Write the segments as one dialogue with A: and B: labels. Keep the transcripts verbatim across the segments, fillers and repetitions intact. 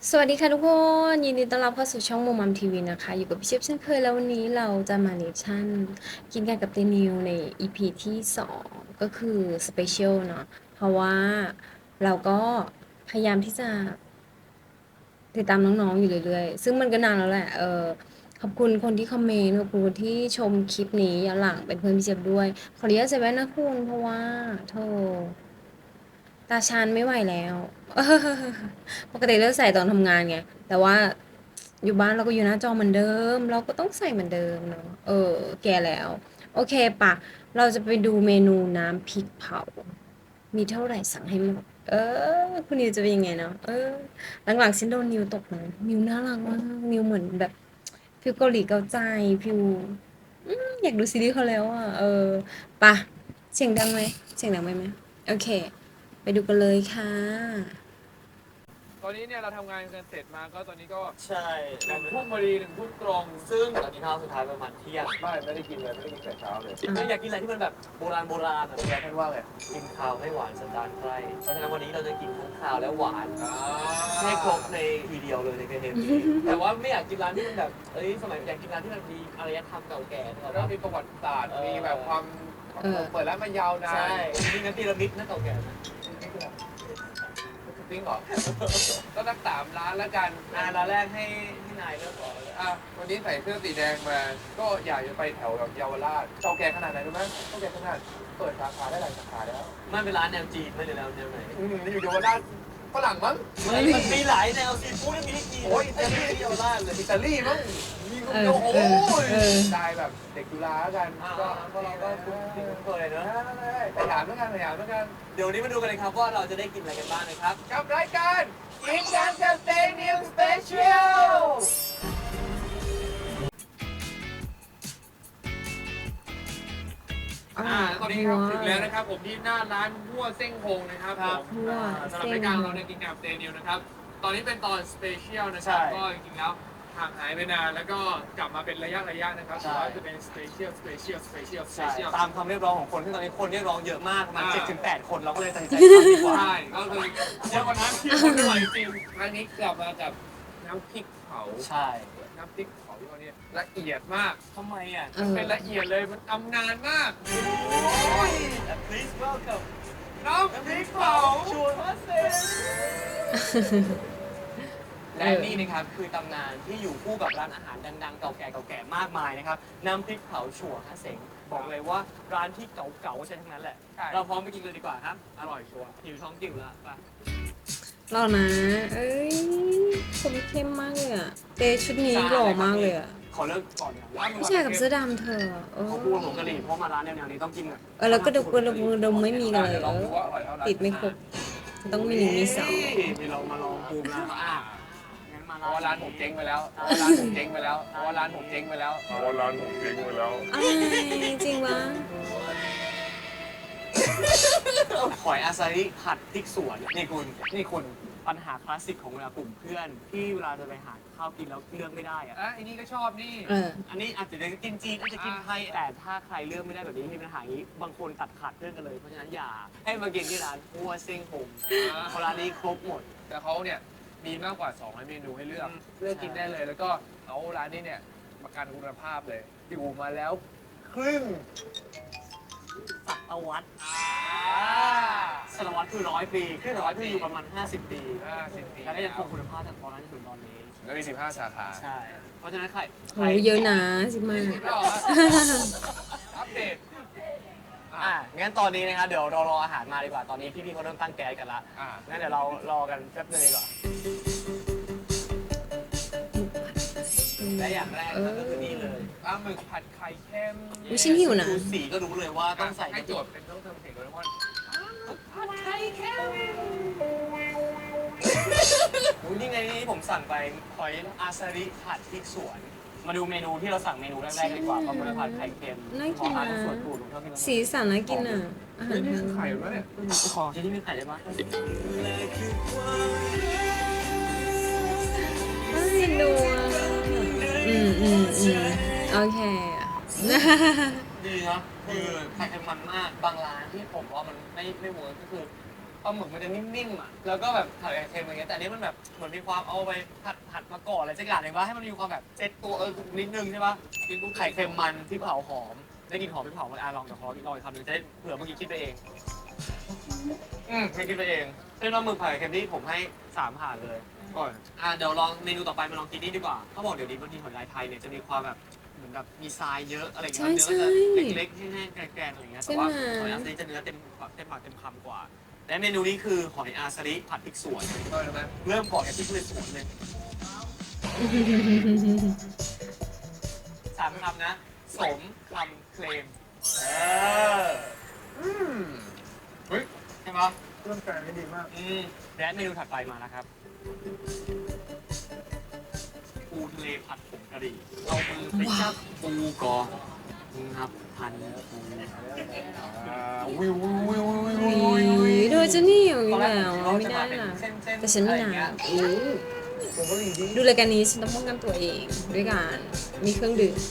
A: สวัสดีค่ะทุกคนยินดีต้อนรับเข้าสู่ช่องมุมมัมทีวีนะคะอยู่กับพี่เชฟเช่นเคยแล้ววันนี้เราจะมาเนชั่นกินกันกับเตนิวใน อี พี ที่สองก็คือสเปเชียลเนาะเพราะว่าเราก็พยายามที่จะติดตามน้องๆอยู่เรื่อยๆซึ่งมันก็นานแล้วแหละเออขอบคุณคนที่คอมเมนต์ขอบคุณคนที่ชมคลิปนี้ย้อนหลังเป็นเพื่อนพี่เชฟด้วยขออนุญาตใส่แว่นนะคุณเพราะว่าโธ่ ตาชานไม่ไหวแล้วปกติเลือกใส่ตอนทำงานไง แต่ว่าอยู่บ้านเราก็อยู่หน้าจอเหมือนเดิม เราก็ต้องใส่เหมือนเดิมเนาะเออแก่แล้ว โอเคปะเราจะไปดูเมนูน้ำพริกเผา มีเท่าไหร่สั่งให้หมดเออคุณนิวจะเป็นยังไงเนาะเออหลังๆฉันโดนนิวตกนะนิวน่ารักมากนิวเหมือนแบบฟิลเกาหลีเกาใจฟิลอืมอยากดูซีรีส์เขาแล้วอ่ะเออปะเสียงดังไหมเสียงดังไหมไหมโอเค ไปดูกันเลยค่ะ
B: ตอนนี้เนี่ยเราทำงานกันเสร็จมาก็ตอนนี้ก็
C: ใช่
B: หนึ่งทุ่มพอดีหนึ่งทุ่มตรง
C: ซึ่งตอนนี้ข้าวสุดท้ายประมาณเที่ยง
B: ไม่ไม่ได้กินเลยไม่ได้กินแต่เช้าเลย
C: ไม่อยากกินอะไรที่มันแบบโบราณโบราณอะ
B: อยากให้ว่าไง
C: กินข้าวให้หวานสันดานใกล้เพราะฉะนั้นวันนี้เราจะกินทั้งข้าวและหวาน
B: อ่า
C: ให้ครบในทีเดียวเลยในเทปนี้แต่ว่าไม่อยากกินร้านที่มันแบบเอ้ยสมัยอยากกินร้านที่มันมีอารยธรรมเก่าแก่นะครับ
B: แล้วมีประวัติศาสตร์มีแบบความเปิดร้านมายาวนาน
C: ใช่มีงั้นพีระมิดนะเก่าแก่นะ
B: จริงเหรอก็สักสามร้านแล้วกัน
C: อ่าร้านแรกให้ให้นายเลือกก่อนเลย
B: อ่ะวันนี้ใส่เสื้อสีแดงมาก็อยากจะไปแถวแบบเยาวราชเก่าแก่ขนาดไหนรู้ไหมเก่าแก่ขนาดเปิดสาขาได้หลายสาขาแล้ว
C: มันเป็นร้านแนวจีนไม่ได้แล้วแนวไหน
B: อืมอยู่เยาวราชฝรั่งมั้ง
C: มันมีหลายแนวซีฟู้ดมีให้กิน
B: โอ้ย
C: แต่ไม่ได้เดียวร้านเลย
B: อิตาลีมั้งมีคน
A: เออ
B: เดียวโอ้
A: เออเออ
B: ยได้แบบเด็กจุฬาแล้วกัน
C: อ่า
B: ก็
C: ก็เราก็คุ้นเคยเนอะ
B: สยามแล้วกันสยามแล้วกัน
C: เดี๋ยววันนี้มาดูกันเลยครับว่าเราจะได้กินอะไรกันบ้างนะครับ
B: กับรายการกินกันกับเตนิวสเปเชียลอ่าตอนนี้ครับถึงแล้วนะครับผมที่หน้าร้านหัวเส้งโฮงนะครับผม
A: หัว
B: สำหรับรายการเราในกินกับเตนิวนะครับตอนนี้เป็นตอนสเปเชียลนะครับก็จริงๆแล้วห่างหายไปนานแล้วก็กลับมาเป็นระยะระยะนะครับถือว่าจะเป็นสเปเชียลสเปเชียลสเปเชียลสเป
C: ใช่
B: เชียล
C: ตามคำเรียกร้องของคนที่ตอนนี้คนเรียกร้องเยอะมากประมาณ
B: อ่า
C: เจ็ดถึงแปดคนเราก็เลยตัดสินใจทำดีกว่า
B: ใช่ก็คือเยอะกว่านั้นที่คนไม่ไหวจริงครั้งนี้กลับมากับน้ำพริกเผา
C: ใช่
B: น้ำพริกเผาที่เขาเนี่ยละเอียดมาก
C: ทำไมอ่ะ
A: เออ
B: เป็นละเอียดเลยมันทำนานมาก
C: please welcome
B: น้ำพริกเผา
C: ชวนมาเซและนี่นะครับคือตำนานที่อยู่คู่กับร้านอาหารดังๆเก่าแก่เก่าแก่มากมายนะครับน้ำพริกเผาชัวฮะเสงบอกเลยว่าร้านที่เก่าๆใช่ทั้งนั้นแหละ
B: ใช่
C: เราพร้อมไปกินเลยดีกว่าครับอร่อยชัวร์หิวท้องจิ๋วแล้วไป
A: หล่อนะ เอ้ยคมเข้มมากเลยอะเตชุดนี้หล่อมากเลยอะ
C: ขอเลิกก่อนนะ
A: ผู้ชายกับเสื้อดำเธอเออ
C: เขาพูดผมกะหรี่เพราะมาร้านแนวๆนี้ต้องกินแบบ
A: เออแล้วก็ดมดมดมไม่มีกันเลย
B: เดี๋ยว
A: เอ
B: ลอง
A: อ
B: ดูว่าอร่อยเท่าไหร่
A: ติดไม่ครบต้องมีหนึ่งมีสอง
C: ที่เรามาลองปูนะอ่ะงั้นมา
B: เพราะว่าร้านผมเจ๊งไปแล้วเพราะว่าร้านผมเจ๊งไปแล้วเพราะว่าร้านผมเจ๊งไปแล้วเพราะว่าร้านผมเจ๊งไปแล้ว
A: อะไรจริงวะ
C: หอยอาซาริผัดพริกสวนนี่คุณนี่คุณปัญหาคลาสสิกของเวลากลุ่มเพื่อนที่เวลาจะไปหาข้าวกินแล้วเลือกไม่ได้อะ
B: อ่ะอันนี้ก็ชอบนี่
A: เออ
C: อันนี้อาจจะได้กินจีนอาจจะกินไทยแต่ถ้าใครเลือกไม่ได้แบบนี้มีปัญหาอย่างนี้บางคนตัดขาดเพื่อนกันเลยเพราะฉะนั้นอย่าให้มากินที่ร้านพัวเซ้งหงเพราะร้านนี้ครบหมด
B: แต่เขาเนี่ยมีมากกว่าสองร้อยเมนูให้เลือกเลือกกินได้เลย แล้วก็เอาร้านนี้เนี่ยประกันคุณภาพเลยอยู่มาแล้วครึ่ง
C: สัตวัตรสารวัตรคือร้อยปีคือร้อยปีอยู่ประมาณห้าสิบปี
B: ห้าสิบปี
C: และได้ยังคงคุณภาพจากตอนนั้นจนถึงตอนนี้
B: แล้วมีสิบห้าสาขา
C: ใช่ เพราะฉะนั้นใคร
A: โหเยอะนะสิมา
B: สิบแล้วเหรออัปเดต
C: อ่ะงั้นตอนนี้นะครับเดี๋ยวเรารออาหารมาดีกว่า ตอนนี้พี่ๆเขาเริ่มตั้งแก๊สกันละ
B: อ่า
C: งั้นเดี๋ยวเรารอกันแป๊บนึงดีกว่า และอย่างแรกนะครับก็คือนี่เลย
B: ปลาหมึกผัดไข่เค็ม
A: อุ๊ยฉันหิวนะ
C: ดูสีก็รู้เลยว่าต้องใส่
B: ให้โจทย์เป็นต้องทำเสียงโดเรมอน
C: อุ๊ยนี่ไงนี่ผมสั่งไปหอยอาซาริผัดพริกสวน มาดูเมนูที่เราสั่งเมนูแรกๆดีกว่าปลาหมึกผัดไข่เค็ม
A: น่ากิน
C: ขอ
A: นะ
C: ทาส่วนตูดผมชอบกินมาก
A: สีสันน่ากินอ่ะอาหา
B: เฮ้ย
A: ร
B: นี่
A: ไท
B: คื
A: ย
B: อไข่เหรอเนี่ย
C: ขอจะที่มีไข่ได้ปะ
A: น่าเอ็นดูอ่ะอืมอืมอืมโอเค
C: ดีเนาะคือไข่เค็มมันมาก บางร้านที่ผมว่ามันไม่ไม่เวิร์กก็คือปลาหมึกมันจะนิ่มๆอ่ะแล้วก็แบบผัดไข่เค็มอะไรเงี้ยแต่อันนี้มันแบบเหมือนมีความเอาไปผัดผัดมาก่อนอะไรสักอย่างหนึ่งว่าให้มันมีความแบบเซ็ตตัวเออนิดนึงใช่ปะกินปุ๊บไข่เค็มมันพริกเผาหอมได้กลินหอมพริกเผามันอ่ะลองเดี๋ยวขอลองอีกคำหนึงจะได้เผื่อเมื่อกี้คิดไปเองอืมไม่คิดไปเองเส้นปลาหมึกผัดไข่เค็มนี่ผมให้สามผ่านเลย
B: ก่อน
C: อ่ะเดี๋ยวลองเมนูต่อไปมาลองกินนี่ดีกว่าเขาบอกเดี๋ยวนี้บางทีหอยลายไทยเนี่ยจะมีความแบบเหมือนแบบมีทรายเยอะอะไรเงี้ยเนื้อก็จะเล็กๆแห้งๆแกรนๆอะไรเงี้ยแต่ว่าหอยอาซาริจะเนื้อเต็มเต็มปากเต็มคำกว่า และเมนูนี้คือหอยอาซาริผัดพริกสวน
B: ก็ใช่ไหม
C: เริ่มก่อนกับพริกเลยสวนเลยสามคำนะ สมคำเคลมเออ
B: อืมเฮ้ย
C: ใช่ไหม
B: เครื่องแกงนี่ดีมาก
C: อืมและเมนูถัดไปมานะครับปูทะเลผัดผงกะหรี่เอามือไปจับปูก่อนนับพันปู
B: อ่าวิววิววิววิว
A: อุ๊ยโดยจะนี่อยู่
C: ตอนแร
A: แล้
C: ก
A: ว
C: ผม
A: ไม่
C: คิดว่า
A: ได้
C: จะมา
A: นะ
C: เป็นเส้นๆ
A: แต่ฉันไม่
C: อะไร
A: นา
C: เงี้
A: น
C: ย
A: อืม
B: ผมก็ดีดี
A: ดูรายการนี้ฉันต้องป้องกันตัวเองด้วยการมีเครื่องดื่ม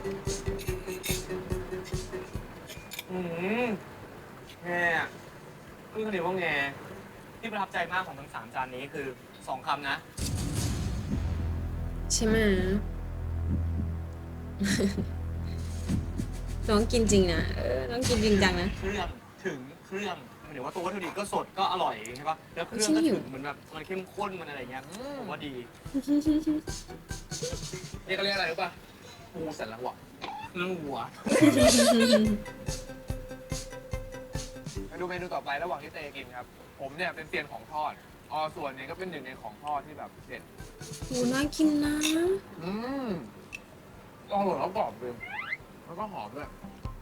C: อืมแง่อะคือคนเดียวว่าแง่ที่ประทับใจมากของทั้งสามจานนี้คือสองคำนะ
A: ใช่ไหม น้องกินจริงนะเออน้องกินจริงจังนะ
C: เครื่องถึงเครื่องหมายถึงว่าตัววัตถุดิบก็สดก็อร่อยใช่ปะแล้วเครื่อง
A: ฉัน
C: ก็
A: หิว
C: ถึงเหมือนแบบมันเข้มข้นมันอะไรเงี้ยผมว่าดี
B: นี่เขาเรียกอะไรรู้ป่ะปูสันหลังหวะ
C: เรื่องหัว
B: มาดูเมนูต่อไประหว่างที่เตกินครับ ผมเนี่ยเป็นเซียนของทอดออส่วนเนี่ยก็เป็นหนึ่งในของทอดที่แบบเด็ด
A: โหน่ากินนะ
B: อืมอร่อยแล้วกรอบเลยแล้วก็หอมด้วย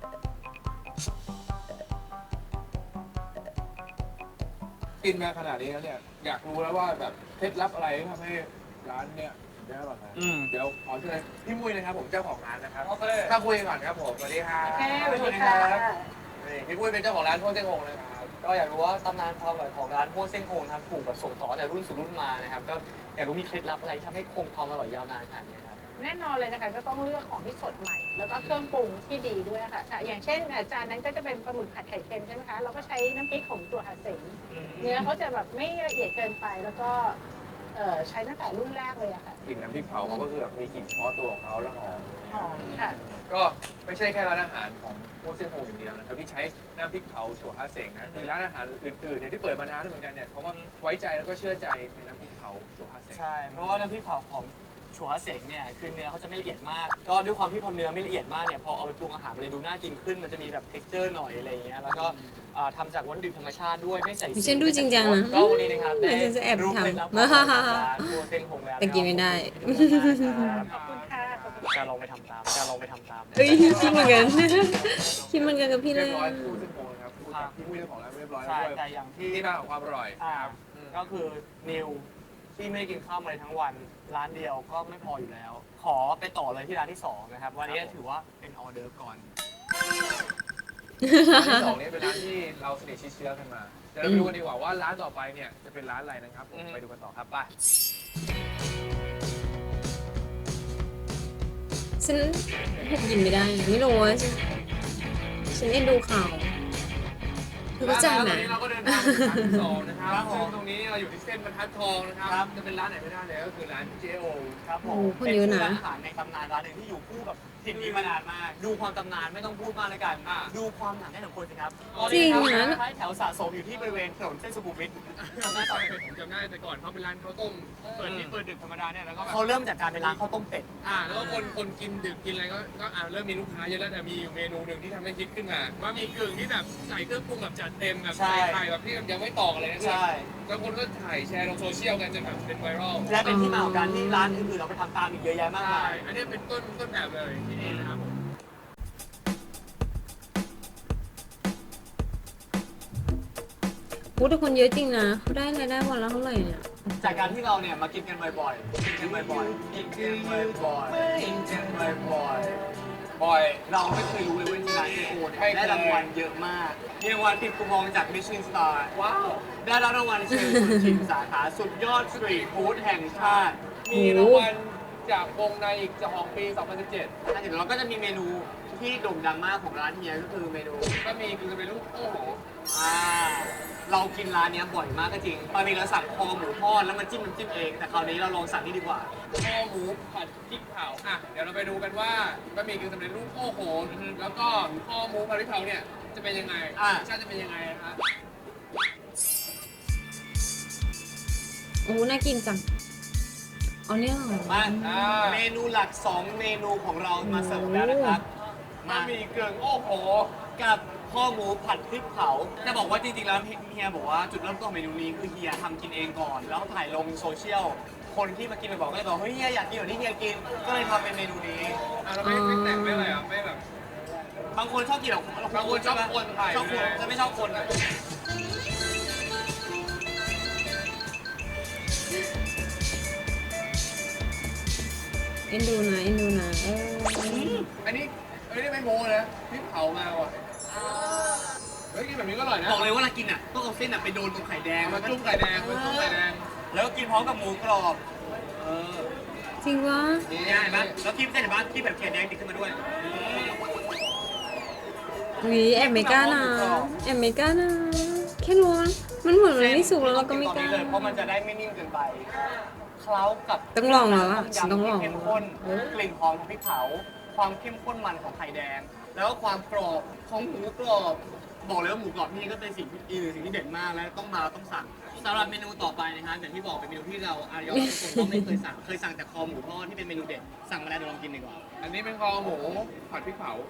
B: กินมาขนาดนี้แล้วเนี่ยอยากรู้แล้วว่าแบบเคล็ดลับอะไรที่ทำให้ร้านเนี่ยได้อร่อยนะ
C: อืม
B: เดี๋ยวขอเชิญพี่มุ้ยนะครับผมเจ้าของร้านนะครับ
C: โอเค
B: ถ้าคุยก่อนครับผมสวัสดีครับ
C: โอเคสวัสดีครับ
B: นี่พี่มุ้ยเป็นเจ้าของร้านโทษเจ้าหงนะครับ
C: ก็อยากรู้ว่าตำนานความอร่อยของร้านโฮเส้นโคงนะครับถูกแบบส่งต่อแต่รุ่นสู่รุ่นมานะครับก็อยากรู้มีเคล็ดลับอะไรที่ทำให้คงความอร่อยยาวนานขนาดนี้ครับ
D: แน่นอนเลยนะคะก็ต้องเลือกของที่สดใหม่ แล้วก็เครื่องปรุงที่ดีด้วยค่ะอ่ะอย่างเช่นอาจารย์นั้นก็จะเป็นปลาหมึกผัดไข่เค็มใช่ไหมคะเราก็ใช้น้ำพริกของตัวหาเสงเนื้อเขาจะแบบไม่ละเอียดเกินไปแล้วก็เอ่อใช้ตั้งแต่รุ่นแรกเลยอะค่ะ
B: กลิ่นน้ำพริกเผาเขาก็คือแบบมีกลิ่นเฉพาะตัวของเขาแล้วหอม
D: หอมค่ะ
B: ก็ไม่ใช่แค่ร้านอาหารของโคเซียนโฮอย่างเดียวนะครับที่ใช้น้ำพริกเผาถั่วฮาเสงนะคือร้านอาหารอื่นๆเนี่ยที่เปิดมานานแล้วเหมือนกันเนี่ยเขาก็ไว้ใจแล้วก็เชื่อใจในน้ำพริกเผาถั่วฮาเสง
C: ใช่ เพราะว่าน้ำพริกเผาของชัวเสงเนี่ยคือเนื้อเขาจะไม่ละเอียดมาก ก็ด้วยความที่พอเนื้อไม่ละเอียดมากเนี่ยพอเอาไปปรุงอาหารมันเลยดูน่ากินขึ้นมันจะมีแบบ texture หน่อยอะไรอย่างเงี้ยแล้วก็อ่าทำจากวัตถุดิบธรรมชาติด้วยไม่ใส่สี
A: ฉันดูจริงจังนะ
C: ก็วันนี้นะครับได้
A: เดี๋ยวฉันจะแอบ
C: รู้
A: ทำ
C: เคล็ดลับของร้านครัวเส้นคงแล้ว
A: แต่กินไม่ได้
D: ขอบคุณค่ะขอบคุณ
C: จะลองไปทำตามจะลองไปทำตาม
A: เฮ้ยคิดเหมือนกัน คิดเหมือนกันกับพี่เล
B: เรีย
A: ย
B: บร้อยพูดเส้นโฮนะครับพูดกับพี่มุ้ยเจ้าของร้านเรียบร้อยแล้
C: ใช่
B: วด้วย
C: แต่อย่างที่
B: ที่มาของความอร่อย
C: อ่า
B: ครับอืม
C: ก็คือนิวที่ไม่ได้กินข้าวมาเลยทั้งวันร้านเดียวก็ไม่พออยู่แล้ว ขอไปต่อเลยที่ร้านที่สองนะครับวันนี้ถือว่าเป็นออเดอร์ก่อน
B: ร้านที่สองนี้เป็นร้านที่เราสนิทชิดเชื้อกันมาเดี๋ยวเราไปดูกันดีกว่าว่าร้านต่อไปเนี่ยจะเป็นร้านอะไรนะครับผม
C: อืม
B: ไปดูกันต่อครับไป
A: ฉันกินไม่ได้ ไม่รู้ว่าฉันฉันเอ็นดูข่าวเธอเข้าใจไหม
B: ร้านนี้เราก็เดินทางถึงร้านที่สองนะครับ
C: ครับผม
B: ซึ่งตรงนี้เราอยู่ที่เส้นบรรทัดทองนะครับ
C: ครับ
B: จะเป็นร้านไหนไม่ได้เลยก็คือร้านเจโอ
C: ครับผม
A: โอ้โหคนเยอะนะ
C: ป็ร้านอาหารในตำนานร้านหนึ่งที่อยู่คู่กับถิ่นนี้มานานมาก ดูความตำนานไม่ต้องพูดมากเลยกัน
B: อ่า
C: ดูความหนาแน่นของคนสิครับ
A: จริงนะ
C: ท้ายแถวสะสมอยู่ที่บริเวณถนนเส้นสุขุมวิท
B: จำได้ตอนผมจำได้แต่ก่อนเขาเป็นร้านข้าวต้มเปิดที่เปิดดึกธรรมดาเนี่ยแล้วก็แบบ
C: เขาเริ่มจากการเป็นร้านข้าวต้มเป็ด
B: อ่าแล้วก็คนคนกินดึกกินอะไรก็ก็อ่าเริ่มมีลูกค้าเยอะแล้วแต่มีอยู่เมนูหนึ่งที่ทำให้คิดขึ้นมาว่ามีกึ่งที่แบบใส่เครื่องปรุงแบบจัดเต็มแบบ
C: ใช่
B: ใส่ไข่แบบที่ยังไม่ตอกอะไรนะ
C: ใช่
B: แล้วคนก็ถ่ายแชร์ลงโซเชียลกันจนแบบเป็นไวรัล
C: และเป็นที่มาของการที่ร้านอื่นๆเราไปทำตามอีกเยอะแยะมาก
B: ใช่
C: มาย
B: อันนี้เป็นต้นต้นแบบเลยที่นี่นะครับผม
A: พูดแต่คนเยอะจริงนะเขาได้รายได้วันละเท่าไหร่เนี่ย
C: จากการที่เราเนี่ยมากินกันบ่อยๆกินกันบ่อยๆกินกันบ่อยๆกินกันบ่อยๆ
B: บ่อย
C: เราไม่เคยรู้เลยว่าที่ร้านเจโอเนี่ยได้รางวัลเยอะมากมีรางวัลติดคูปองจากมิชลินสตาร์
B: ว้าว
C: ได้รับรางวัลเชิญชิมสาขาสุดยอดสตรีทฟู้ดแห่งชาติ
B: มีรางวัลจากวงในอีกจากของปี สองพันสิบเจ็ด
C: แล้วเดี๋ยวเราก็จะมีเมนูที่โด่งดังมากของร้านเฮียก็คือเมนู
B: ก็มีคือเป็นรูปโอ้โห
C: อ่าเรากินร้านเนี้ยบ่อยมากก็จริงปกติเราสั่งคอหมูทอดแล้วมันจิ้มน้ำจิ้มเองแต่คราวนี้เราลองสั่งนี่ดีกว่า
B: ข้อหมูผัดพริกเผาอ่ะเดี๋ยวเราไปดูกันว่าบะหมี่กึ่งสำเร็จรูปโอ้โหแล้วก็ข้อหมูผัดพริกเผาเนี่ยจะเป็นยังไง
C: อ่ะ
B: รสชาติจะเป็นยังไงนะครับ
A: โอ้น่ากินจังเอาเนี่ยเหรอ
C: มา
B: อ่า
C: เมนูหลักสองเมนูของเรามาเสิร์ฟแล้วนะครับ
B: บะหมี่กึ่งโอ้โห
C: กับข้อหมูผัดพริกเผาจะบอกว่าจริงๆแล้วเฮียบอกว่าจุดเริ่มต้นของเมนูนี้คือเฮียทำกินเองก่อน แล้วถ่ายลงโซเชียลคนที่มากินไปบอกก็เลยบอกเฮ้ยเฮียอยากกินแบบที่เฮียกินก็เลยทำเป็นเมนูนี้
B: อ่ะเราไม่ไม่แต่งไม่อะไรอ่ะไม่แบบ
C: บางคนชอบกินแบบ
B: บางคนชอบคนถ่าย
C: ชอบคนจะไม่ชอบคนอ่ะ
A: เอ็นดูนะเอ็นดูนะเออ
B: อันนี้อันนี้ไม่โม้นะพริกเผามาว่ะเฮ้ยกินแบบนี้ก็อร่อยนะ
C: บอกเลยว่าเรากินอ่ะต้องเอาเส้นอ่ะไปโดนตรงไข่แดง
B: มาจุ่มไข่แดงมาจุ่มไข่แดง
C: แล้วก็กินพร้อมกับหมูกรอบเออ
A: จริงวะ
C: นี่เห็นปะแล้วคีบเส้นเห็นปะคีบแบบไข่แดงติดขึ้นมาด้วย
A: วีแอบไม่กล้านะแอบไม่กล้านะแค่รู้ว่ามันเหมือนมันไม่สุกแล้วเราก็ไม่กล้า
C: ตอนนี้เลยเพราะมันจะได้ไม่นิ่มเกินไปเคล้ากับ
A: ต้องลองแล้วอะ
C: ต้ม
A: ฉันต้อง
C: ยำ
A: ลอง
C: ที่เข้มข้นกลิ่นหอมของพริกเผา ความเข้มข้นมันของไข่แดง แล้วก็ความกรอบของหมูกรอบ บอกเลยว่าหมูกรอบที่นี่ก็เป็นสิ่งที่อีกหนึ่งสิ่งที่เด่นมากและต้องมาต้องสั่งสำหรับเมนูต่อไปนะครับอย่างที่บอกเป็นเมนูที่เราอารยอทุกคนก็ไม่เคยสั่งเคยสั่งแต่คอหมูทอดที่เป็นเมนูเด็ดสั่งมาแล้วเดี๋ยวลองกินดีกว่า
B: อันนี้เป็นคอหมูผัดพริกเผา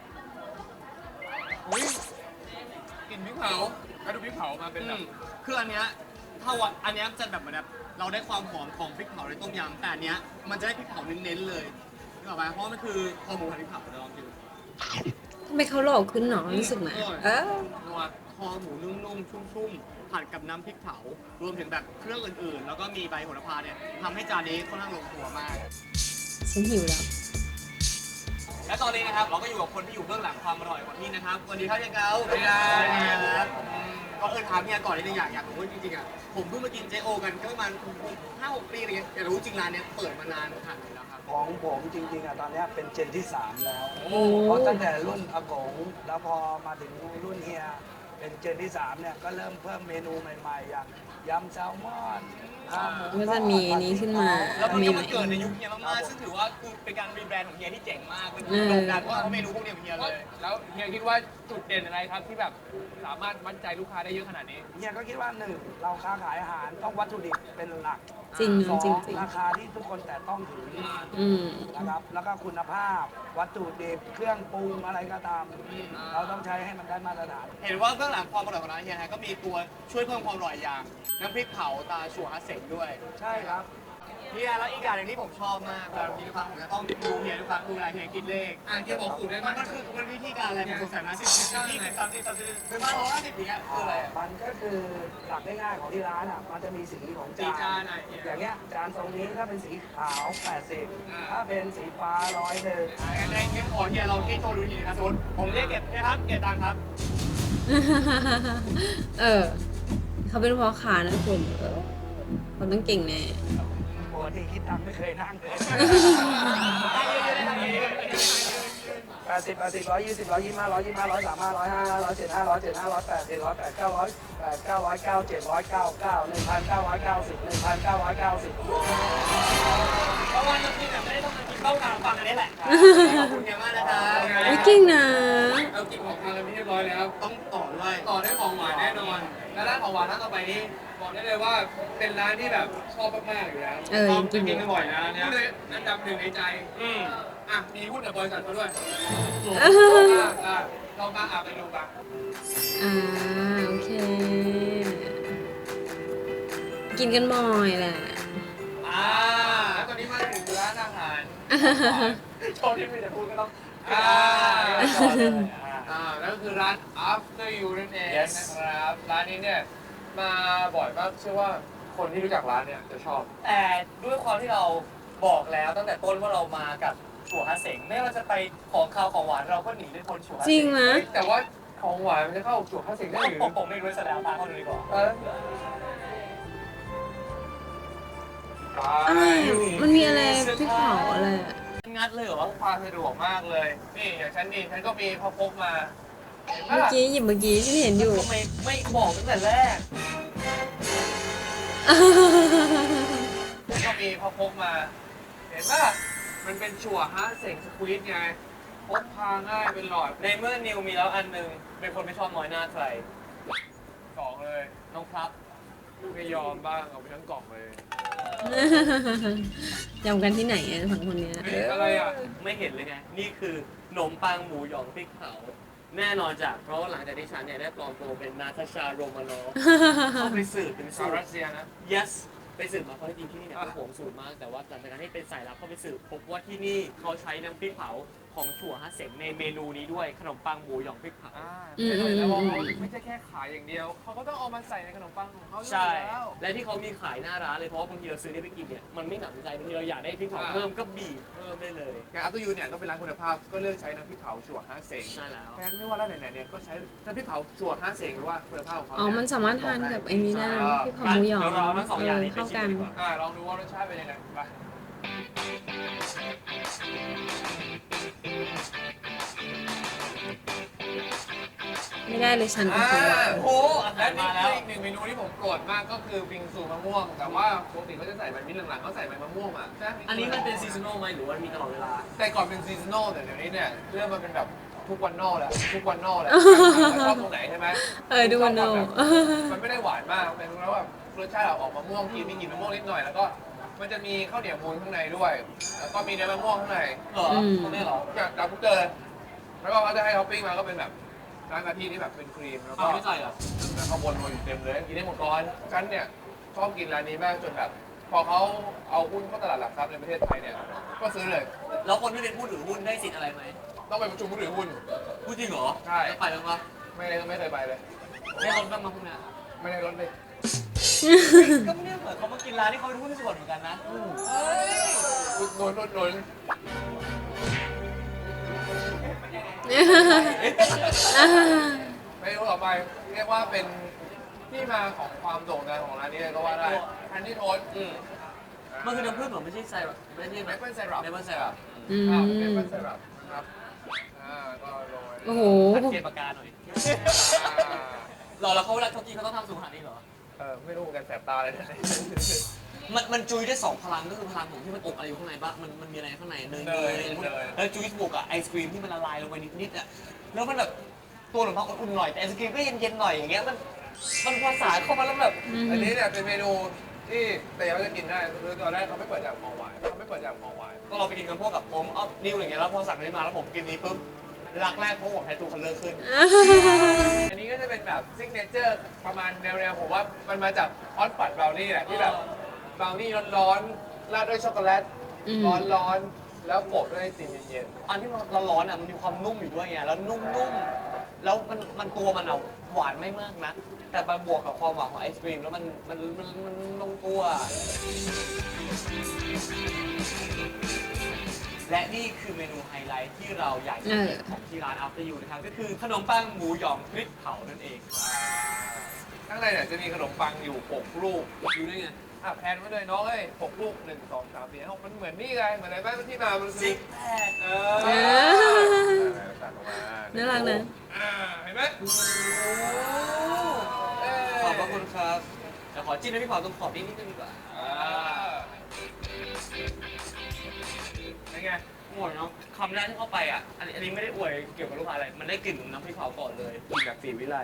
B: อุ้ยกลิ่นพริกเผาแล้วดูพริกเผามาเป็นแบบ
C: คืออันเนี้ยถ้าวันอันเนี้ยจะแบบเหมือนแบบเราได้ความหอมของพริกเผาในต้มยำแต่อันเนี้ยมันจะได้พริกเผาเน้นๆเลยนึกออกไหมเพราะมันคือคอหมูผัดพริกเผาเดี๋ยวลองดู
A: ทำไมเขาหล่อขึ้นหนอรู้สึกไหมเออ
B: นัว
C: คอหมูนุ่มๆชุ่มๆผัดกับน้ำพริกเผารวมถึงแบบเครื่องอื่นๆ แล้วก็มีใบโหระพาเนี่ยทำให้จานนี้ค่อนข้างลงตัวมาก
A: ฉันหิวแล้ว
C: และตอนนี้นะครับเราก็อยู่กับคนที่อยู่เบื้องหลังความอร่อยของที่นะครับสวัสดีครับเฮียเกา
B: สวัสดีครับ
C: ก็เออถามเฮียก่อนนิดนึงอยากอยากรู้ว่าจริงๆอ่ะผมเพิ่งมากินเจโอกันก็ประมาณห้าหกปีอะไรเงี้ยอยากรู้จริงร้านเนี้ยเปิดมานานขนาดไหนแล้วครับ
E: ของผมจริงๆอ่ะตอนเนี้ยเป็นเจนที่สามแล้ว
A: โอ้
E: เพราะตั้งแต่รุ่นอากงแล้วพอมาถึงรุ่นเฮียเป็นเจนที่สามเนี่ยก็เริ่มเพิ่มเมนูใหม่ๆ อย่างยำแซลมอนข้าวหมู
A: ก็จะมีนี้ขึ้นมา
C: แล้วมัน
A: มี
C: ก็
A: ไหม
C: มาเกิดในยุคเฮียมากๆซึ่งถือว่าคือเป็นการรีแบรนด์ของเฮียที่เจ๋งมากเป็น
A: อืม
C: โด่งดังเพราะเมนูพวกเนี้ยของเฮียเลย
B: แล้วเฮียคิดว่าจุดเด่นอะไรครับที่แบบสามารถมั่นใจลูกค้าได้เยอะขนาดนี้
E: เฮียก็คิดว่าหนึ่งเราค้าขายอาหารต้องวัตถุดิบเป็นหลัก
A: จริง
E: สอง
A: จริงจริง
E: ราคาที่ทุกคนแต่ต้องถึง
A: อืม
E: นะครับแล้วก็คุณภาพวัตถุดิบเครื่องปรุงอะไรก็ตาม เราต้องใช้ให้มันได้มาตรฐาน
C: เห็นว่าเบื้องหลังความอร่อยของร้านเฮียฮะก็มีตัวช่วยเพิ่มความอร่อยอย่างน้ำพริกเผาตาชัวฮาเซ็งด้วย
E: ใช่ครับ
C: เฮียแล้วอีกอย่างหนึ่งที่ผมชอบมากเวลากินทุกครั้งผมจะต้องดูเฮียทุกครั้งดูเวลาเฮียกินเลข
B: อ่ะเฮียบอกสูตรได้ไหม
C: มันมันคือมันวิธีการอะไรผมสงสัยนะสิบสิบยี่สิบสามสิบสามสิบเป็นมาร้อยห้าสิบอย่างเงี้ยคืออะไรอะ
E: มันก็คือหลักง่ายๆของที่ร้านอ่ะ มันจะมีสีของ
B: สี
E: จา
B: จาน
E: น
B: อ่ะเฮีย
E: อย่างเงี้ยจานตรงนี้ถ้าเป็นสีขาวแปดสิบ
B: อ่า
E: ถ้าเป็นสีฟ้าร้อยหนึ่ง
C: งั้นในเกมขอเฮียเราที่โชว์ดูทีนะครับสมมติผมเรียกเก็บนะครับเก็บตังค์ครับ
A: เออ เขาเป็นพ่อค้านะคุณเออเขาต้องเก่งแน่
E: ปกติคิดตังค์ไม่เคยนั่งเลยแปดสิบแปดสิบร้อยยี่สิบร้อยยี่สิบห้าร้อยยี่สิบห้าร้อยสามห้าร้อยห้าร้อยเจ็ดห้าร้อยเจ็ดห้าร้อยแปดสิบร้อยแปดเก้าร้อยแปดเก้าร้อยเก้าเจ็ดร้อยเก้าเก้าหนึ่งพันเก้าร้อยเก้าสิบหนึ่งพันเก้าร้อยเก้าสิบ
C: เพราะว่าเรากินแบบไม่ได้ต้องมากินข้าวกลางฟังอันนี้แหละขอบคุณเฮียมากนะครับ
A: ไม่เก่งนะ
B: เรากินของทานกันเรียบร้อยแล้ว
C: ต้องต่อด้วย
B: ต่อด้วยของหวานแน่นอน และร้านของหวานร้านต่อไปนี้บอกได้เลยว่าเป็นร้านที่แบบชอบมากๆอยู่แล้ว
A: เออยังกินอยู่
B: บ่อยนะเนี่ยเลยอันดับหนึ่งในใจ
C: อืม
B: อ่ะมีหุ้นกับบริษัทเขาด้วย
A: อ่า
B: อ่ะเรามาอ่ะไปดูกัน
A: อ่าโอเค กินกันบ่อยแหละ
C: อ่า
B: แล้วตอนนี้มาถึงร้านอาหาร
C: โชว์ที่ไม่ได้พูดก็ต้อง
B: อ่า
C: ต่อเลยอ่า
B: อ่าแล้วก็คือร้าน After You นั่นเอง
C: Yes
B: นะครับ ร้านนี้เนี่ยมาบ่อยมากเชื่อว่าคนที่รู้จักร้านเนี่ยจะชอบ
C: แต่ด้วยความที่เราบอกแล้วตั้งแต่ต้นว่าเรามากับชัวฮาเสงไม่ว่าจะไปของคาวของหวานเราก็หนีไม่พ้นชัวฮาเสง
A: จริงไหม
B: แต่ว่าของหวานมันจะเข้าจั่วข้าวสิงได้หรือ
C: ผมผมไม่รู้แสดงตามเขาดูดีกว่า
B: เออ
A: อะไรอ่ะมันมีอะไรพริกเผาอะไรอ่ะ
C: งัดเลยเหร
B: พ
C: อก
B: พาสะดวกมากเลย นี่อย่างฉันนี่ฉันก็มีพอพกมาเห็น
A: เมื่อ
B: ปะ
A: กี้หยิบเมื่อกี้ที่เห็นอยู่
C: ทำไมไม่บอกตั้งแต่แรก
B: ฉันก็มีพอพกมา เห็นปะมันเป็นชัวฮะเสงสควีตไงพกพาง่ายเป็นหลอด
C: ในเมื่อนิวมีแล้วอันหนึ่งเป็นคนไม่ชอบน้อยหน้าใคร
B: กล่องเลย
C: น้องครับ
B: ไม่ยอมบ้างเอาไปทั้งกล่องเลย
A: ยำกันที่ไหนอะสองคนเนี้ย
B: เฮ้ยอะไรอ่ะ
C: ไม่เห็นเลยไง นี่คือขนมปังหมูหยองพริกเผา แน่นอนจากเพราะว่าหลังจากที่ฉันเนี่ยได้ปลอมตัวเป็นนาตาชาโรมานอฟเข้าไปสืบเป็น
B: ชาว
C: สูต
B: รั
C: ร
B: สเซียนะ
C: yes ไปสืบมาเพราะจริงๆที่นี่เนี่ยเป็นห่วงสูตรมาก แต่ว่าหลังจากนั้นที่เป็นสายลับเข้าไปสืบพบว่าที่นี่เขาใช้น้ำพริกเผาของถั่วฮะเสงในเมนูนี้ด้วยขนมปังหมูหยองพริกเผา
B: อ่า
A: อืมอืม
B: แล้ว
A: อืม
B: เขาไม่ใช่แค่ขายอย่างเดียว เขาก็ต้องเอามาใส่ในขนมปังของเขาอยู่
C: ใช่
B: แล้ว
C: และที่เขามีขายหน้าร้านเลยเพราะว่าบางทีเราซื้อนี่ไปกินเนี่ยมันไม่หนำใจบางทีเราอยากได้พริกเผา
B: อ่า
C: เพิ่มก็บีบเพิ่มได้เลย
B: งานอัพตูยูเนี่ยต้องเป็นร้านคุณภาพก็เลือกใช้น้ำพริกเผาชัวห้าเสง
C: ใช่แล้ว
B: แทนไม่ว่าร้านไหนๆเนี่ยก็ใช้น้ำพริกเผาชัวห้าเสงหรือว่าคุณภาพของเขา
A: อ๋อ มันสามารถทานกับไอ้นี้ได้นะที่ของหมูหยอง
C: เดี๋ยวเราเอาทั้งสองอย่างนี้
A: เออ
C: ไป
A: เข้า
C: ชิม
A: กัน
C: ดีกว่า
B: อ่าลองดูว่ารสชาติเป็นยังไงไป
A: ไม่ได้เลยฉัน
B: อ่า
A: ของหวาน
C: โอ้โหอา
B: และ
C: หาร
B: นี่
C: มาแล้ว
B: คืออีกหนึ่งเมนูที่ผมโปรดมากก็คือวิงซูมะม่วง แต่ว่าปกติเขาจะใส่ใบมิ้นท์หลังๆเขาใส่ใบมะม่วงอ่ะใช่ไห
C: อันนี้มันเป็นซีซันอลไหมหรือว่ามีตลอดเวลา
B: แต่ก่อนเป็นซีซันอลแต่เดี๋ยวนี้เนี่ยเริ่มมาเป็นแบบทุกวันนอกแล้วทุกวันนอกแล้วชอบตรงไหนใช่ไหม
A: เออดูมันโน
B: มันไม่ได้หวานมากเป็นแล้วแบบรสชาติออกมะม่วงกินมีกลิ่นมะม่วงนิดหน่อยแล้วก็มันจะมีข้าวเหนียวมูนข้างในด้วย แล้วก็มีเนื้อมะม่วงข้างใน
C: เหรอ
A: อืม
C: ตรงนี้เหรอ
B: จากจากทุกเดินแล้วก็เขาจะให้ท็อปปิ้งมาก็เป็นแบบร้านกะทิที่แบบเป็นครีมแล้วก็
C: อ้าวไม่ใส่เหรอ
B: แล้วข้าวบนโรยอยู่เต็มเลยกินได้หมดก้อนฉันเนี่ยชอบกินร้านนี้มากจนแบบ พอเขาเอาหุ้นเข้าตลาดหลักทรัพย์ในประเทศไทยเนี่ยก็ซื้อเลย
C: แล้วคนที่เป็นผู้ถือหุ้นได้สิทธิ์อะไรไหม
B: ต้องไปประชุมผู้ถือหุ้น
C: พูดจริงเหรอ
B: ใช่
C: แล้วไปบ้างปะ
B: ไม่ได้ไม่เคยไปเลย
C: ได้ลดบ้างมาพวกเนี้ย
B: ไม่ได้รถเลย
C: ก็ไม่ได้เหมือนเขามากินร้านที่เขาเป็นหุ้นส่วนเหมือนกันนะเฮ้ย
B: อุดหนุนอุดหนุนเมนูต่อไปเรียกว่าเป็นที่มาของความโด่งดังของร้านนี้เลยก็ว่าได้ฮันนี่โทสต์
C: อืมมันคือน้ำผึ้งเหรอไม่ใช่ไซรัปไม่ใช่
B: เมเปิลไซรัป
C: เมเปิลไซรัป
A: อืม
B: อ่าเมเปิลไซรัปนะครับอ่าก็โรย
A: โอ้โห
C: ตัดเกณฑ์ปากกาหน่อย
B: อ่า
C: หรอแล้วเขาเวลาเขากินเขาต้องทำสูงขนาดนี้เหรอ
B: เออไม่รู้เหมือนกันแสบตาเลยนะ
C: มันมันจุยได้สองพลังก็คือพลังของที่มันอบอะไรอยู่ข้างในบ้างมันมันมีอะไรข้างในเนยเนยแล้วจุยบวกกับไอศครีมที่มันละลายลงไปนิดๆอ่ะแล้วมันแบบตัวขนมปังอุ่นๆหน่อยแต่ไอศครีมก็เย็นๆหน่อยอย่างเงี้ยมันมันภาษานเข้ามาแล้วแบบ
B: อันนี้เนี่ยเป็นเมนูที่แต่ยังไม่ได้กินได้คือตอนแรกเขาไม่เปิดจากของหวานเขาไม่เปิดจากของหวาน
C: ก็เราไปกินกันพวกกับผมเอานิวอย่างเงี้ยแล้วพอสั่งนี้มาแล้วผมกินนี้ปุ๊บรักแรกเพราะผมแพ้ตูคันเลอร์ขึ้น
B: อันนี้ก็จะเป็นแบบซิกเนเจอร์ประมาณแนวๆผมว่ามันมาจากฮอตปัดบราวนี่แหละที่แบบบราวนี่ร้อนๆราดด้วยช็อกโกแลต
A: อืม
B: ร้อนๆแล้วโปะด้วยไอติมเย็น
C: อันที่มันร้อนๆอ่ะมันมีความนุ่มอยู่ด้วยไงแล้วนุ่มๆแล้วมันมันตัวมันอ่ะหวานไม่มากนะแต่มาบวกกับความหวานของไอศครีมแล้วมันมันมันมันลงตัว และนี่คือเมนูไฮไลท์ที่เราอยากจะเห็นของที่ร้าน After You นะครับก็คือขนมปังหมูหยองพริกเผานั่นเอง
B: ๆข้างในเนี่ยจะมีขนมปังอยู่หกลูก
C: ดูได้ไง
B: อ่ะแพนไว้เลยน้องเอ้ยหกลูกหนึ่งสองสามสี่ห้าหกมันเหมือนนี่ไงเหมือนอะไรบ้างที่มามันคื
C: ซิ
B: อก
C: แพค
B: เอ
A: เอ
B: อ
A: อ
B: ตัดออกมา
A: น่ารักนะ
B: อ่าเห็นไหม
C: ขอบพระคุณครับเดี๋ยวขอจิ้มน้ำพริกเผาตรงขอบนิดนิดนึงดีกว่า
B: อ่าเป็นไง
C: หมดเนาะคำแรกที่เข้าไปอ่ะ อันนี้อันนี้ไม่ได้อวยเกี่ยวกับลูกค้าอะไร มันได้กลิ่นน้ำพริกเผาก่อนเลยกลิ่นแบบสีวิไล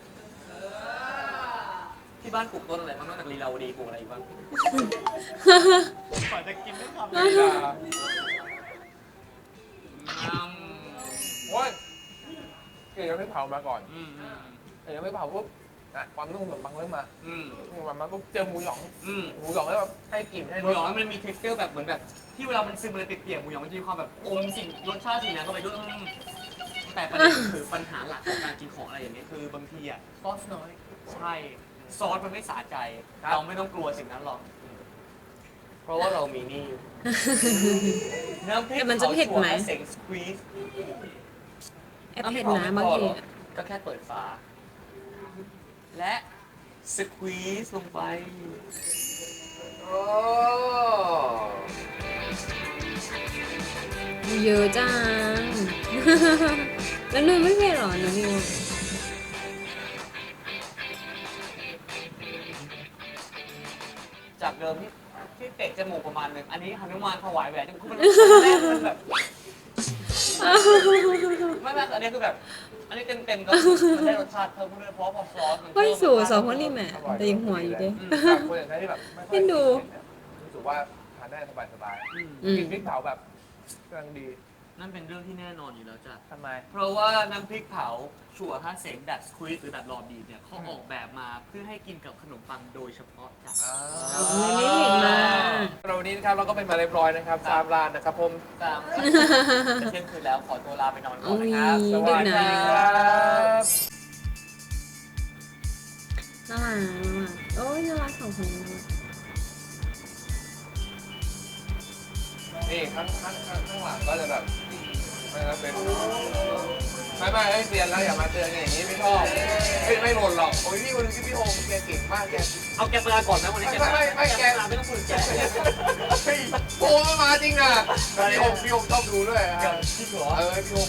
C: ที่บ้านปลูกต้นอะไรบ้างนอกจากลีลาวดีปลูกอะไรอีกบ้างก่อนจะกินไม่ทำเลย
B: อ่า
C: อืม
B: โอ้ยเกี่ยวกับไม่เผามาก่อน
C: อืมอืม
B: เกี่ยวกับไม่เผาปุ๊บอ่ะความนุ่มขนมปังเริ่มมา
C: อืม
B: หมูหยองมาปุ๊บเจอหมูหยอง
C: อืม
B: หมูหยองแล้วแบบให้กลิ่นให้
C: ห
B: ร
C: มู
B: ส
C: หยองมันมี texture แบบเหมือนแบบ ที่เวลามันซึมมันเปียกๆหมูหยองมันจะมีความแบบอมสิ่งรสชาติสิ่งนั้นเข้าไปด้วยอืมแต่ประเด็นคือปัญหาหลักของการกินของอะไรอย่างนี้ยคือบางทีอ่ะ
B: ซอสน้อย
C: ใช่ ซอสมันไม่สะใจ เราไม่ต้องกลัวสิ่งนั้นหรอก เพราะว่าเรามีนี่ น้ำพริก
A: แต่มันจะเผ็ดไหม
C: ผาถั่วเสงสควีซ
A: แอบเผ็ดนะบางทีอะ
C: ก็แค่เปิดฝา และสควีซลงไป
B: โอ้
A: เยอะจัง แล้วนิวไม่เป็นเหรอหนูนิว
C: จากเดิมที่ที่เตะจมูกประมาณหนึ่งอันนี้หนุมานถวายแหวนจมูกมันแรกมันแบบไม่ไม่อันนี้คือแบบ อันนี้เต็มเต็มๆก็มันได้รสชาติเพิ่มขึ้นด้วยเพราะพอซอสมัน
A: เฮ้ย
C: เพิ่ม
A: สู่
C: รส
A: ส
C: ชา
A: อ
C: ติ
A: งคนนี้แหม่แต่ยังหัวอยู่เด้
C: อืม
E: แบบคนอย่างที่แบบไม่ค่อย
A: เอ็นดู
E: รู้สึกว่าทานได้สบาย
C: อืม
A: อืม
E: ๆกินพริกเผาแบบกำลังดี
C: นั่นเป็นเรื่องที่แน่นอนอยู่แล้วจ้ะ
E: ทำไม
C: เพราะว่าน้ำพริกเผาชัวร์ท่าเสงดัดสควีซหรือดัดรอบีบเนี่ยเขาออกแบบมาเพื่อให้กินกับขนมปังโดยเฉพาะจ้ะ
A: ไม่ได้เห็นมา
B: เราวันนี้นะครับเราก็เป็นมาเรียบร้อยนะครับสามร้านนะครับผม
C: ตามจะเที่ยงคืนแล้วขอตัวลาไปนอนก่อนนะครับ
A: อุ๊ย
C: สวัสดี
A: ดึก
C: ค
A: นะ
C: รับ
A: น่ารักน่ารักโอ้ยน่ารักสองคนนี้น่ารัก
E: นี่ข้างข้างข้างข้างหลังก็จะแบบมันจะเป็นไม่ไม่ไม่เปลี่ยนแล้วอย่ามาเตือนอย่างนี้ไม่ชอบไม่ไม่หล่นหรอกโอ้ยพี่คนนึงที่พี่โฮมแกเก่งมากแก
C: เอาแกปลาก่อนนะวันนี้แกปลา
E: ไม่ไม่ไม่แก
C: ปลาไม่ต้องคุยแก
E: เฮ้ยโฮมมาจริงอ่ะพี่โฮมพี่โฮมชอบดูด้วยอ่ะ
C: ที่หัว
E: เออพี่โฮม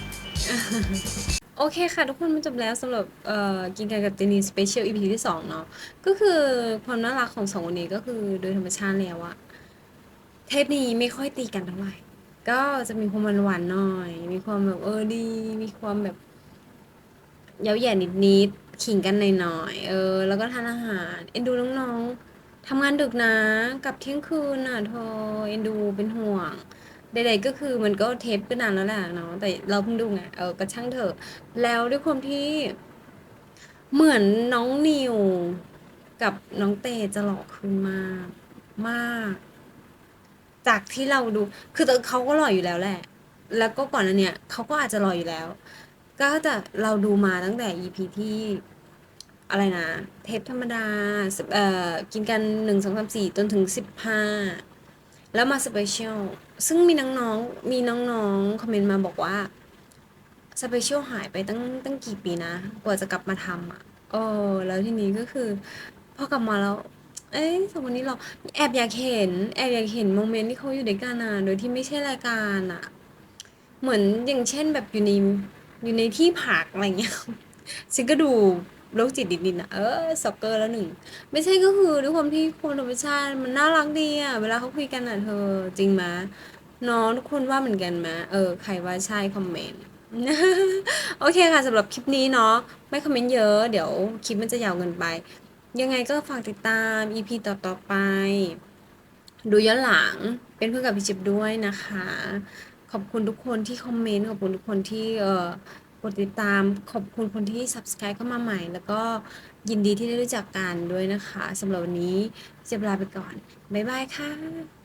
A: โอเคค่ะ ทุกคนมันจบแล้วสำหรับเอ่อกินกันกับเจนีสเปเชียลอีพีที่สองเนาะก็คือความน่ารักของสองคนนี้ก็คือโดยธรรมชาติแล้วอะเทปนี้ไม่ค่อยตีกันเท่าไหร่ ก็จะมีความหวานๆหน่อย มีความแบบเออดี มีความแบบเย้าแย่นิดๆขิงกันหน่อยๆเออ แล้วก็ทานอาหารเอ็นดูน้องๆทำงานดึกนะกลับเที่ยงคืนน่ะเธอเอ็นดูเป็นห่วง ใดๆก็คือมันก็เทปก็นานแล้วแหละเนาะแต่เราเพิ่งดูไงเออก็ช่างเถอะ แล้วด้วยความที่เหมือนน้องนิวกับน้องเตจะหล่อขึ้นมากมาก จากที่เราดู คือเขาก็หล่ออยู่แล้วแหละ แล้วก็ก่อนอันเนี้ยเขาก็อาจจะหล่ออยู่แล้ว ก็แต่เราดูมาตั้งแต่ อี พี ที่อะไรนะ เทปธรรมดาเอ่อกินกันหนึ่งสองสามสี่จนถึงสิบห้าแล้วมาสเปเชียลซึ่งมีน้องๆมีน้องๆคอมเมนต์มาบอกว่าสเปเชียลหายไปตั้งตั้งกี่ปีนะ กว่าจะกลับมาทำอ่ะเออแล้วทีนี้ก็คือพอกลับมาแล้ว เอ้ยสองคนนี้เราแอบอยากเห็นแอบอยากเห็นโมเมนต์ที่เขาอยู่ด้วยกันอ่ะโดยที่ไม่ใช่รายการอ่ะ เหมือนอย่างเช่นแบบอยู่ในอยู่ในที่พักอะไรเงี้ย ฉันก็ดูโรคจิตนิดๆนะเออสอกเกอร์แล้วหนึ่งไม่ใช่ก็คือด้วยความที่คนธรรมชาติมันน่ารักดีอ่ะเวลาเขาคุยกันอ่ะเธอจริงไหมน้องทุกคนว่าเหมือนกันไหมเออใครว่าใช่คอมเมนต์ โอเคค่ะสำหรับคลิปนี้เนาะไม่คอมเมนต์เยอะเดี๋ยวคลิปมันจะยาวเกินไป ยังไงก็ฝากติดตาม อี พี ต่อๆไป ดูย้อนหลังเป็นเพื่อนกับพี่จิ๊บด้วยนะคะ ขอบคุณทุกคนที่คอมเมนต์ ขอบคุณทุกคนที่เอ่อกดติดตาม ขอบคุณคนที่ subscribe เข้ามาใหม่ แล้วก็ยินดีที่ได้รู้จักกันด้วยนะคะสำหรับวันนี้พี่จิ๊บลาไปก่อน บ๊ายบายค่ะ